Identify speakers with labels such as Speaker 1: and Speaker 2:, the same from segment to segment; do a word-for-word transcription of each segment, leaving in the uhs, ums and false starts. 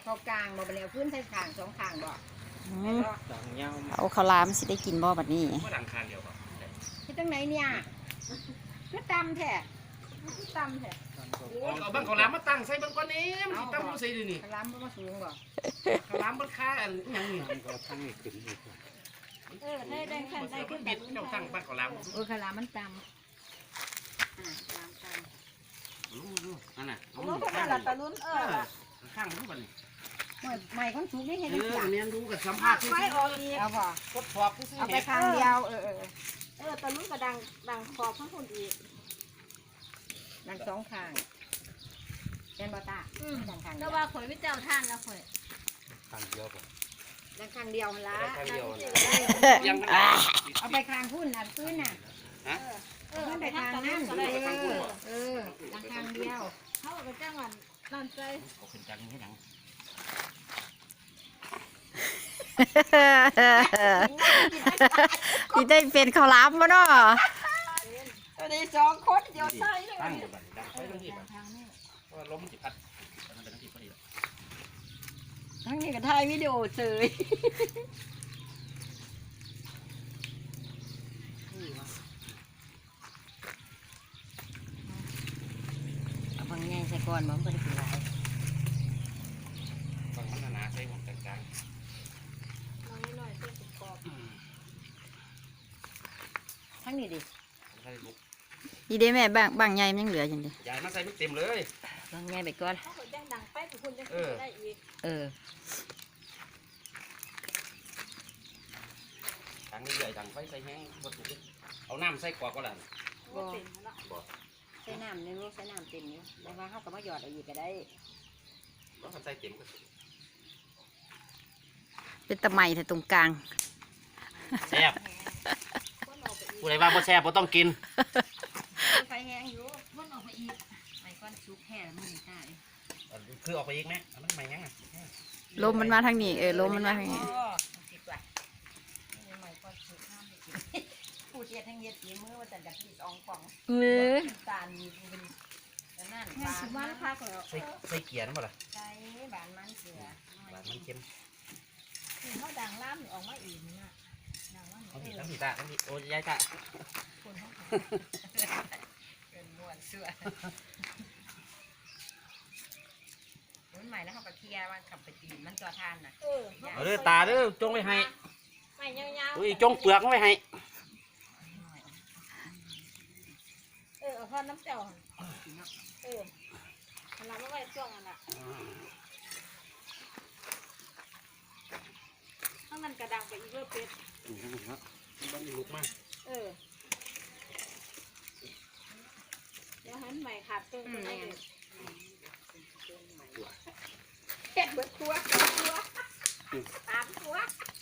Speaker 1: เข้ากลางบ่ไปแล้วพื้นใส่ข้างสองข้างบ่
Speaker 2: เอาข้าวลามสิได้กินบ่บัดนี้
Speaker 3: ก็ดังคานเดียวครับ
Speaker 1: ที่ตั้งไหนเนี่ยคือตำแท้คือตำแท้
Speaker 3: เอาบ้างข้าวหลามมาตั้งใส่บ้างก้อนนี้มันตั้งมันใส่ดินี่
Speaker 1: ข้าวหลามมันมาสูงบ่
Speaker 3: ข้าวหลามมันค่าอันยังนี่
Speaker 1: เออได้ได้ขั้นได้ขึ้นแบบ
Speaker 3: เจ้าตั้งบ้านข้าวหลาม
Speaker 1: เออข้าวหลามมันตำอ่าตำตำ
Speaker 3: รู้รู้นั่นน่ะเอา
Speaker 1: ข้างหลังตะลุ้นเออ
Speaker 3: ข้างรู้ป่ะนี่
Speaker 1: ใหม่คนสูงได้เห็น
Speaker 3: เออเมียนรู้กับสัมภาษณ์ที่
Speaker 1: ไม่ออกอีกเอาบ่
Speaker 3: กดขอบที่
Speaker 1: เอาไปข้างเดียวเออเออ
Speaker 4: เออตะลุ้นกระดังดังขอบข้างคนอีก
Speaker 1: ดังสองข้างเป็นบอตาดังข้าง
Speaker 4: ก็ว่าข่อยวิเจ้าท่านแล้วข่อย
Speaker 3: ข้างเดียวป่ะ
Speaker 1: ดังข้างเดียวละ
Speaker 3: ข้างเดียว
Speaker 1: ยังเอาไปข้างพุ่นน่ะพื้นน่ะ
Speaker 3: ฮะ
Speaker 1: เออไปข้างนั่นเออเออดังข้างเดียว
Speaker 4: เขาเอาไปจ้างวันนั่นใจ
Speaker 3: เขาขึ้นจังให้ดัง
Speaker 2: ที่ได้เป็นข้าวหลามบ่เนาะ
Speaker 1: ตัวนี้สองคนเดียวใส่เลย
Speaker 3: ตั้งอยู่บ้านดังไปทั้งที่บ้านเพราะล้มจิพัดทั้งทั้งที่พอดี
Speaker 1: ทั้งนี้ก็ถ่ายวิดีโอเสยเอาบางแง่ใส่ก่อนบ่มันเป็นไร
Speaker 3: บางมันหนาใส่ของกลาง
Speaker 4: ๆน้อยหน่อยเส้นกรอบ
Speaker 1: ทั้งนี้ดิ
Speaker 2: ดีเด้แม่บางบางใหญ่มันยังเหลืออยู่ดิ
Speaker 3: ยายมาใส่ไม่เต็มเลย
Speaker 1: บางแง่ไปก่อน
Speaker 4: เขาแจ้งดังไปทุกคนจะได้อีก
Speaker 1: เออ
Speaker 3: ดังนี่ใหญ่ดังไฟใส่แห้งบดถูกเอาน้ำใส่กว่าก็แล้ว
Speaker 4: บ่
Speaker 3: บ่
Speaker 1: ใส่น้ำในรูใส่น้ำเต็มอยู่แต่ว่าเขาก็มาหยอดอะไรอีกก็ได้
Speaker 3: ก็ใส่เต็มก็
Speaker 2: เป็นตะไม้แต่ตรงกลาง
Speaker 3: แซ่บผู้ใดว่าบ่แซ่บบ่ต้องกิน
Speaker 1: ไฟแห้งอยู่มันออกไปอีกไฟก้อนชุบแห้งมันไม่ได้
Speaker 3: คือออกไปอีกไหมมันไม่ยังอ่ะ
Speaker 2: ลมมันมาทางนี้เออลมมันมาทางนี้
Speaker 1: ผู้เชี่ยวทั้งเย็ดมือว่าจะจับปีกองฟอง
Speaker 2: เออ
Speaker 1: ตาลีเป็นนั่นบาน
Speaker 4: มันพักแล้ว
Speaker 3: ใส่ใส่เกียร์นั่นบ่ล่ะ
Speaker 1: ใส่บานมันเกลือบ
Speaker 3: านมันเค็ม
Speaker 4: เขาดังล่ามออกมาอีกนะดังว่า
Speaker 3: ทั้งที่ทั้งที่ตาทั้งที่โอ้ยายตา
Speaker 1: คนเขาเป็นม้วนเสื้อรุ่นใหม่แล้วเขาไปเคลียร์มันขับไปตีมันจอทานน่ะ
Speaker 4: เออ
Speaker 3: เอาเด้อตาเด้อจงไว้ให้
Speaker 4: ไม่ยาวๆ
Speaker 3: อุ้ยจงเปลือกไว้ให้
Speaker 4: เออเอาข้าวน้ำเจ้าเออเราไม่ไว้ช่วงนั้นอ่ะข้างนั้นกระดังไปอีกเรื่องเป็ด
Speaker 3: บ้านลุกมาก
Speaker 4: เออเดี๋ยวหันใหม่ขาดตึงไปเลยเห็ดเบิดตัวตัวตามตัว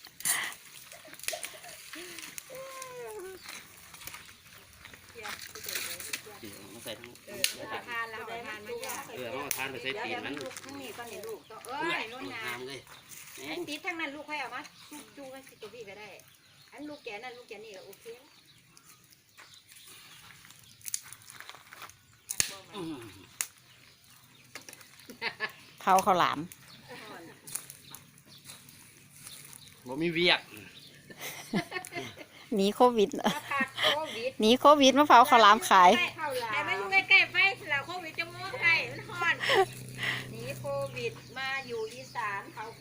Speaker 3: มาใส่ทั้ง
Speaker 1: เออทานแล้วทานไม่ยาก
Speaker 3: เออมาทานไปใส่ตีนมัน
Speaker 1: ทั้งนี้ก็ในลูกตัวเอ้ยล้นน้ำเลยไอ้ตีทั้งนั้นลูกใครเอามาจูจูกันสิตัวพี่ก็ได้อันลูกแกนั่นลูกแกนี่ก็โอเค
Speaker 2: เผาข้าวหลาม
Speaker 3: บ่มีเวียก
Speaker 2: หนีโควิดหนีโควิดมาเผาข้าวหลามขาย
Speaker 4: แต่ไม่อยู่ใกล้ๆไปเราโควิดจะมองใครมันฮอน
Speaker 1: หนีโควิดมาอยู่อีสานเผาข